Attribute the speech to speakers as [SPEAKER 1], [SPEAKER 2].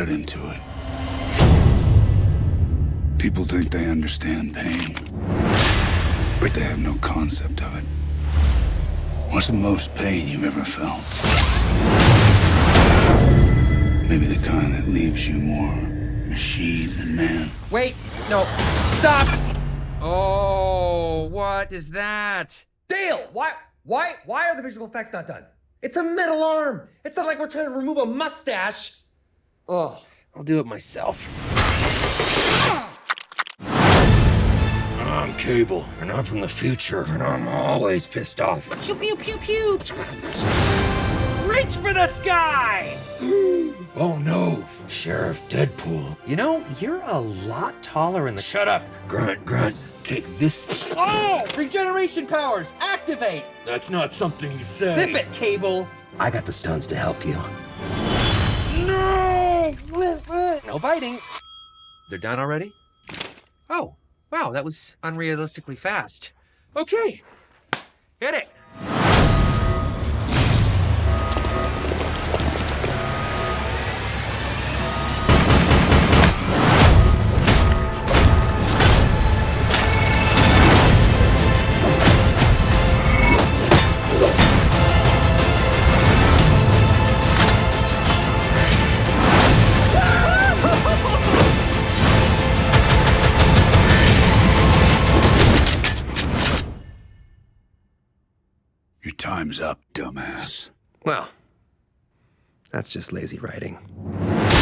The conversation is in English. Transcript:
[SPEAKER 1] read into it. People think they understand pain, but they have no concept of it. What's the most pain you've ever felt? Maybe the kind that leaves you more machine than man.
[SPEAKER 2] Wait, no, stop! Oh, what is that?
[SPEAKER 3] Dale, why are the visual effects not done? It's a metal arm. It's not like we're trying to remove a mustache. Oh,
[SPEAKER 2] I'll do it myself.
[SPEAKER 4] I'm Cable, and I'm from the future, and I'm always pissed off.
[SPEAKER 2] Pew, pew, pew, pew! Reach for the sky!
[SPEAKER 4] Oh no, Sheriff Deadpool.
[SPEAKER 3] you know, you're a lot taller in the...
[SPEAKER 4] Shut up, Grunt, take this.
[SPEAKER 2] Oh! Regeneration powers, activate!
[SPEAKER 4] That's not something you say.
[SPEAKER 2] Zip it, Cable!
[SPEAKER 3] I got the stones to help you.
[SPEAKER 4] No!
[SPEAKER 2] No biting. They're done already? Oh, wow, that was unrealistically fast. Okay, hit it.
[SPEAKER 1] Your time's up, dumbass.
[SPEAKER 2] Well, that's just lazy writing.